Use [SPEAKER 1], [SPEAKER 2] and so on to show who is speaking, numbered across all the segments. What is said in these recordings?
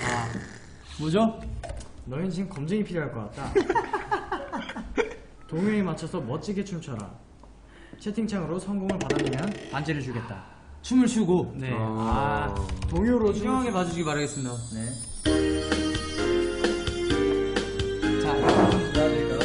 [SPEAKER 1] 뭐죠? 너희는 지금 검증이 필요할 것 같다. 동요에 맞춰서 멋지게 춤춰라. 채팅창으로 성공을 받아내면 반지를 주겠다. 춤을 추고. 네. 동요로
[SPEAKER 2] 신중하게 봐주시기 바라겠습니다. 네. 자, 도와드릴까요?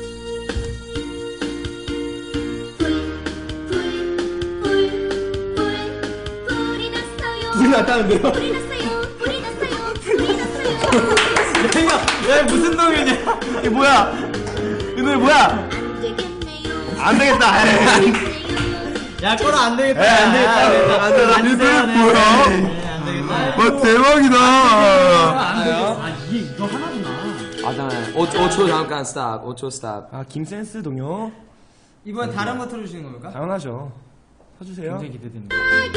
[SPEAKER 3] 불이 났다는데요?
[SPEAKER 4] 불이 났어요. 불이 났어요. 불이 났어요.
[SPEAKER 3] 야, 무슨 동요냐? 이게 뭐야? 이 노래 뭐야? 안 되겠다.
[SPEAKER 1] 야, 꺼라, 안 되겠다.
[SPEAKER 3] 안 되겠다. 안 되겠다. 이 노래 뭐야?
[SPEAKER 1] 안 되겠다.
[SPEAKER 3] 와, 대박이다.
[SPEAKER 1] 안 되겠다. 이거 하나구나.
[SPEAKER 2] 잠깐만. 5초 잠깐 스탑. 5초 스탑.
[SPEAKER 3] 김센스 동요.
[SPEAKER 2] 이번 다른 거 틀어주시는 겁니까?
[SPEAKER 3] 당연하죠. 서주세요.
[SPEAKER 1] 굉장히 기대됩니다.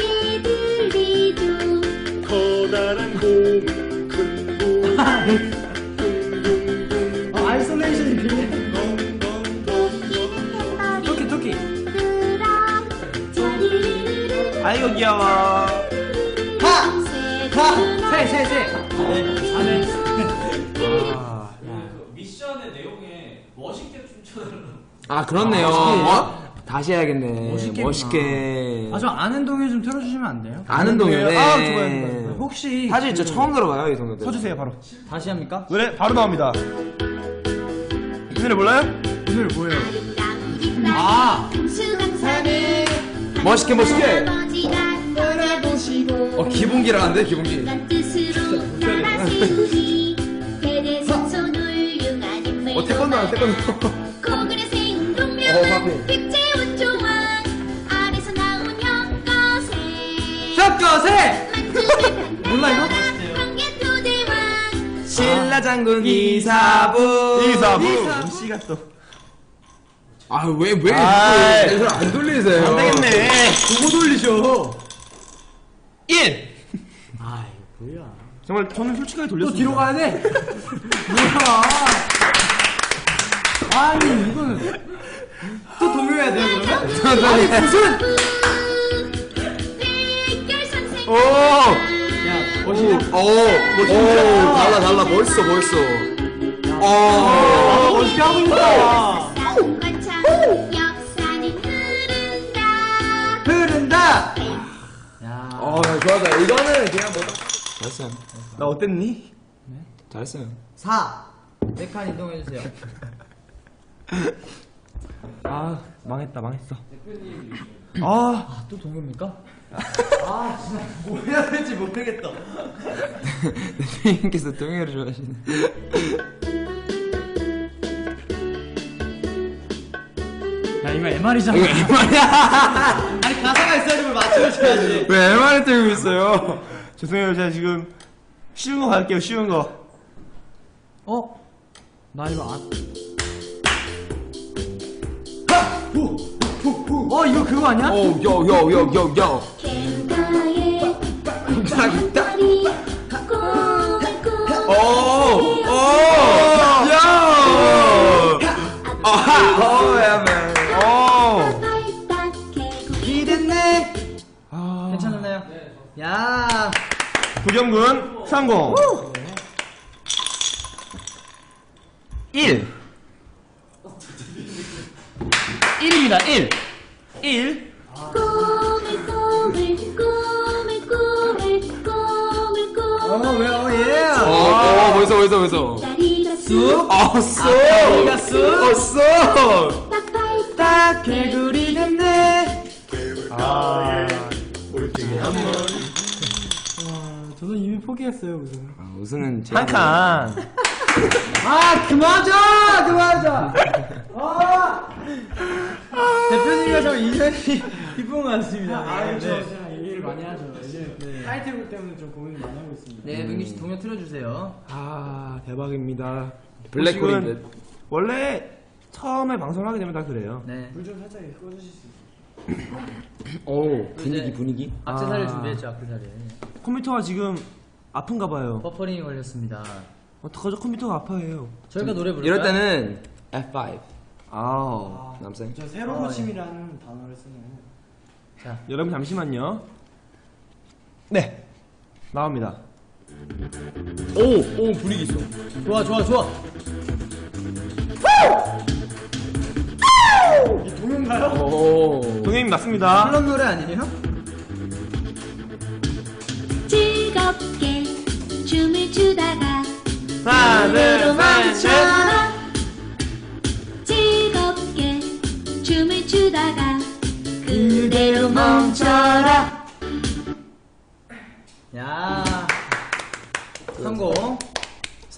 [SPEAKER 5] 커다란 곰, 큰 곰.
[SPEAKER 1] 아이솔레이션이 필요해. 토끼.
[SPEAKER 3] 아이고, 귀여워.
[SPEAKER 1] 세. 안에.
[SPEAKER 6] 미션의 내용에 멋있게 춤춰달라고.
[SPEAKER 2] 그렇네요. 다시 해야겠네.
[SPEAKER 1] 멋있겠구나.
[SPEAKER 2] 멋있게.
[SPEAKER 1] 저 아는 동요 좀 틀어주시면 안 돼요?
[SPEAKER 2] 아는 동요네.
[SPEAKER 3] 좋아요.
[SPEAKER 1] 혹시
[SPEAKER 2] 사실 저 처음 들어봐요, 이 동요들.
[SPEAKER 3] 서주세요, 바로.
[SPEAKER 1] 다시 합니까?
[SPEAKER 3] 노래 바로 나옵니다. 이 노래 몰라요?
[SPEAKER 1] 오늘 뭐예요?
[SPEAKER 2] 멋있게. 기본기라는데, 기본기. 태권도 안 태권도.
[SPEAKER 4] 고글의 생동면 백제운 조왕 아래서 나온 혁거세
[SPEAKER 1] 몰라 이거?
[SPEAKER 4] 황계토대왕
[SPEAKER 2] 신라 장군 이사부.
[SPEAKER 3] 씨가 또.
[SPEAKER 2] 왜
[SPEAKER 3] 아이.
[SPEAKER 2] 이걸 안 돌리세요?
[SPEAKER 3] 안 되겠네.
[SPEAKER 1] 보고 돌리셔.
[SPEAKER 3] 1!
[SPEAKER 1] 뭐야?
[SPEAKER 3] 정말 저는 솔직하게
[SPEAKER 1] 또
[SPEAKER 3] 돌렸습니다.
[SPEAKER 1] 뒤로 가야 돼? 뭐야? 아니 이거는 또 동요해야 돼요 그러면? 아니 무슨?
[SPEAKER 4] 백결선생
[SPEAKER 3] 오!
[SPEAKER 1] 야 멋있냐?
[SPEAKER 2] 달라. 멋있어.
[SPEAKER 1] 멋있게 하고 있다.
[SPEAKER 4] 쌍관창 역사는
[SPEAKER 1] 흐른다.
[SPEAKER 2] 야, 좋아. 이거는 그냥 잘했어요.
[SPEAKER 3] 나 어땠니?
[SPEAKER 2] 잘했어요.
[SPEAKER 1] 4. 4칸 이동해주세요.
[SPEAKER 3] 망했어.
[SPEAKER 1] 또 동요입니까? 진짜 뭐 해야 될지 모르겠다.
[SPEAKER 2] 대표님께서 동요를 좋아하시네.
[SPEAKER 1] 야 이거 MR이잖아. 아니 가사가 있어야지 뭘 맞춰줘야지.
[SPEAKER 3] 왜 MR을 들고 있어요? 죄송해요. 제가 지금 쉬운 거 갈게요. 쉬운 거.
[SPEAKER 1] 나 이거 안. 이거 그거 아니야?
[SPEAKER 2] 요.
[SPEAKER 4] 갱가의
[SPEAKER 2] 딱.
[SPEAKER 1] 기댔네. 괜찮았나요? 야.
[SPEAKER 3] 도겸군 성공. 1. 1입니다. 1.
[SPEAKER 2] 벌써.
[SPEAKER 4] 쑥
[SPEAKER 1] 다리가 쑥.
[SPEAKER 4] 딱
[SPEAKER 1] 개구리 됐네. 저는 이미 포기했어요 무슨.
[SPEAKER 2] 우승은
[SPEAKER 3] 한 칸.
[SPEAKER 1] 그만하자. 대표님과 저 인연이 깊은 것 같습니다. 저 진짜 얘기를 많이 하죠. 이제 타이틀곡 때문에 좀 고민을 많이 하고 있습니다.
[SPEAKER 2] 네, 민규 씨 동요 틀어주세요.
[SPEAKER 3] 대박입니다.
[SPEAKER 2] 블랙홀인데.
[SPEAKER 3] 원래 처음에 방송을 하게 되면 다 그래요.
[SPEAKER 2] 네.
[SPEAKER 1] 불 좀 살짝 꺼주실 수 있어요?
[SPEAKER 2] 분위기.
[SPEAKER 1] 악세사리를 준비했죠, 악세사리.
[SPEAKER 3] 컴퓨터가 지금 아픈가 봐요.
[SPEAKER 1] 버퍼링이 걸렸습니다.
[SPEAKER 3] 어떡하죠? 컴퓨터가 아파해요.
[SPEAKER 1] 저희가 노래 부를까요?
[SPEAKER 2] 이럴 때는 F5. 남생.
[SPEAKER 1] 저 새로운 호침이라는 단어를 쓰네요.
[SPEAKER 3] 여러분 잠시만요. 네, 나옵니다. 오 분위기 있어.
[SPEAKER 1] 좋아 좋아 좋아. 이 동요인가요?
[SPEAKER 2] 오.
[SPEAKER 3] 동현님 맞습니다.
[SPEAKER 1] 그런 노래 아니에요?
[SPEAKER 4] 즐겁게 춤을 추다가
[SPEAKER 3] 하나,
[SPEAKER 4] 노래로
[SPEAKER 3] 둘, 셋, 넷.
[SPEAKER 4] 멈춰라. 즐겁게 춤을 추다가